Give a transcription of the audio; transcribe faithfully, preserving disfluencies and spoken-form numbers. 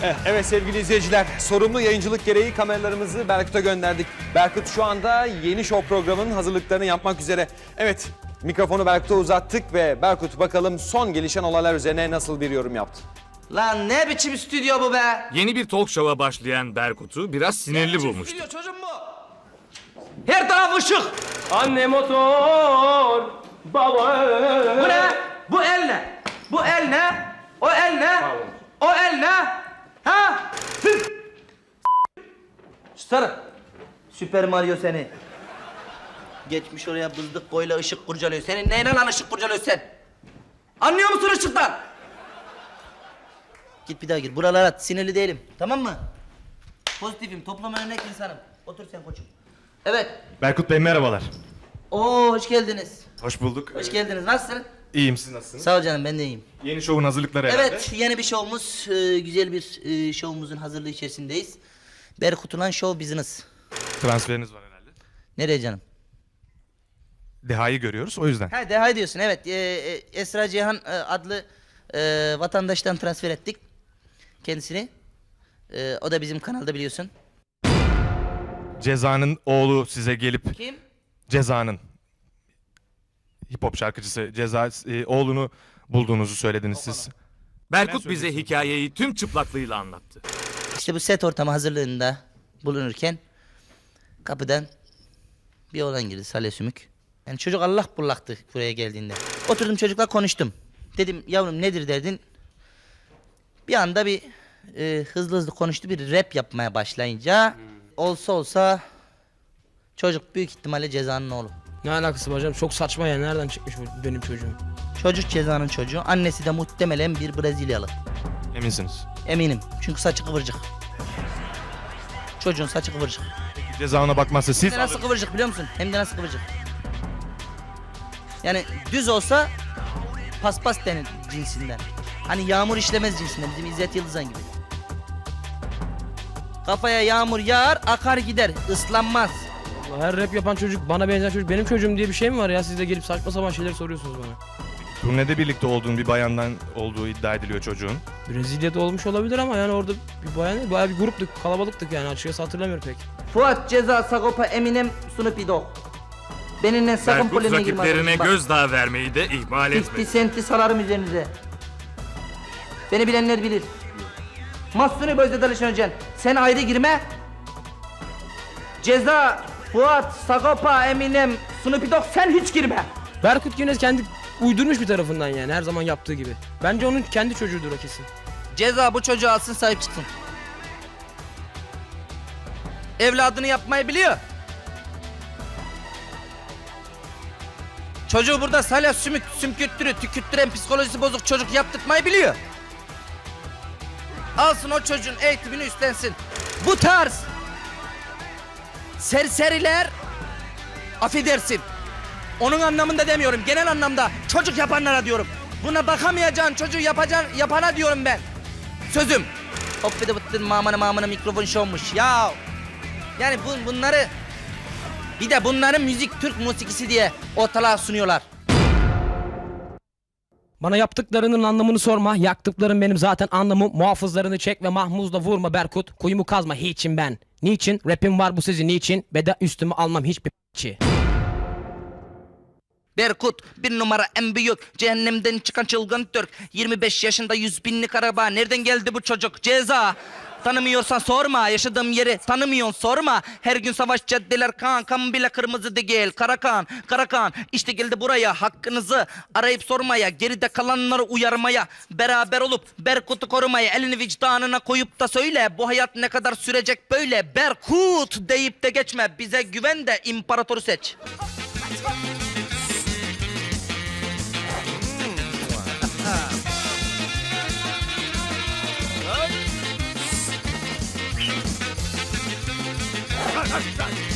Evet sevgili izleyiciler, sorumlu yayıncılık gereği kameralarımızı Berkut'a gönderdik. Berkut şu anda yeni show programının hazırlıklarını yapmak üzere. Evet, mikrofonu Berkut'a uzattık ve Berkut bakalım son gelişen olaylar üzerine nasıl bir yorum yaptı? Lan ne biçim stüdyo bu be? Yeni bir talk show'a başlayan Berkut'u biraz sinirli bulmuştu. Stüdyo çocuğum bu. Her taraf ışık. Anne motor, baba... Bu ne? Bu el ne? Bu el ne? O el ne? O el ne? Ha? Sarı. Süper Mario seni. Geçmiş oraya bızdık boyla ışık kurcalıyor. Senin neyle lan ışık kurcalıyor sen? Anlıyor musun ışıktan? Git bir daha gir. Buralara sinirli değilim. Tamam mı? Pozitifim. Toplum örnek insanım. Otur sen koçum. Evet. Berkut Bey merhabalar. Oo hoş geldiniz. Hoş bulduk. Hoş geldiniz. Nasılsın? İyiyim, siz nasılsınız? Sağ ol canım, ben de iyiyim. Yeni şovun hazırlıkları herhalde. Evet, yeni bir şovumuz, e, güzel bir e, şovumuzun hazırlığı içerisindeyiz. Berkut Ulan Show Business. Transferiniz var herhalde. Nereye canım? Deha'yı görüyoruz o yüzden. Ha, Deha diyorsun, evet. E, e, Esra Cihan e, adlı e, vatandaştan transfer ettik kendisini. E, o da bizim kanalda biliyorsun. Ceza'nın oğlu size gelip... Kim? Ceza'nın hip hop şarkıcısı Ceza e, oğlunu bulduğunuzu söylediniz siz. Berkut bize hikayeyi tüm çıplaklığıyla anlattı. İşte bu set ortamı hazırlığında bulunurken kapıdan bir oğlan girdi, Salih Sümük. Yani çocuk Allah bullaktı buraya geldiğinde. Oturdum çocukla konuştum. Dedim yavrum nedir derdin? Bir anda bir e, hızlı hızlı konuştu, bir rap yapmaya başlayınca olsa olsa çocuk büyük ihtimalle Ceza'nın oğlu. Ne alakası var canım? Çok saçma ya. Nereden çıkmış bu benim çocuğum? Çocuk Ceza'nın çocuğu, annesi de muhtemelen bir Brezilyalı. Eminsiniz. Eminim çünkü saçı kıvırcık. Çocuğun saçı kıvırcık. Peki Ceza ona bakmazsa siz... Hem de nasıl kıvırcık biliyor musun? Hem de nasıl kıvırcık. Yani düz olsa paspas denir cinsinden. Hani yağmur işlemez cinsinden, bizim İzzet Yıldızan gibi. Kafaya yağmur yağar, akar gider, ıslanmaz. Her rap yapan çocuk, bana benzer çocuk benim çocuğum diye bir şey mi var ya? Siz de gelip saçma sapan şeyler soruyorsunuz bana. Turnede birlikte olduğun bir bayandan olduğu iddia ediliyor çocuğun. Brezilya'da olmuş olabilir ama yani orada bir bayan değil, bayağı bir gruptuk, kalabalıktık yani, açıkçası hatırlamıyorum pek. Fuat, Ceza, Sagopa, Eminem, Snoopy Dogg. Benimle sakın Berkut polemiğe girme. rakiplerine arkadaşım, bak. gözdağı vermeyi de ihmal elli etmedi. senti salarım üzerinize. Beni bilenler bilir. Mahsuni Bözde Dalışan Özen, sen ayrı girme. Ceza, Fuat, Sagopa, Eminem, Snoopy Dogg, sen hiç girme. Berkut yine kendi uydurmuş bir tarafından yani, her zaman yaptığı gibi. Bence onun kendi çocuğudur o kesin. Ceza bu çocuğu alsın, sahip çıksın. Evladını yapmayı biliyor. Çocuğu burada salya sümük, sümkürttürü, tükürttüren psikolojisi bozuk çocuk yaptırmayı biliyor. Alsın o çocuğun eğitimini üstlensin. Bu tarz serseriler, affedersin, onun anlamında demiyorum, genel anlamda çocuk yapanlara diyorum. Buna bakamayacağın çocuğu yapacağın, yapana diyorum ben. Sözüm. Hop bir de bıttın mamana mamana mikrofon şovmuş ya. Yani bu, bunları bir de bunların müzik Türk musikisi diye ortalığa sunuyorlar. Bana yaptıklarının anlamını sorma. Yaktıklarım benim zaten anlamım. Muhafızlarını çek ve mahmuzla vurma Berkut. Kuyumu kazma hiçim ben. Niçin? Rapim var bu sizin niçin? Beda üstüme almam hiçbir p***çi. Berkut bir numara en büyük, cehennemden çıkan çılgın Türk. yirmi beş yaşında yüz binlik araba, nereden geldi bu çocuk? Ceza. Tanımıyorsan sorma, yaşadığım yeri tanımıyorsun sorma. Her gün savaş caddeler kan, kan bile kırmızı değil. Karakan, Karakan, işte geldi buraya hakkınızı arayıp sormaya, geride kalanları uyarmaya, beraber olup Berkut'u korumaya, elini vicdanına koyup da söyle, bu hayat ne kadar sürecek böyle? Berkut deyip de geçme, bize güven de imparatoru seç. Hey!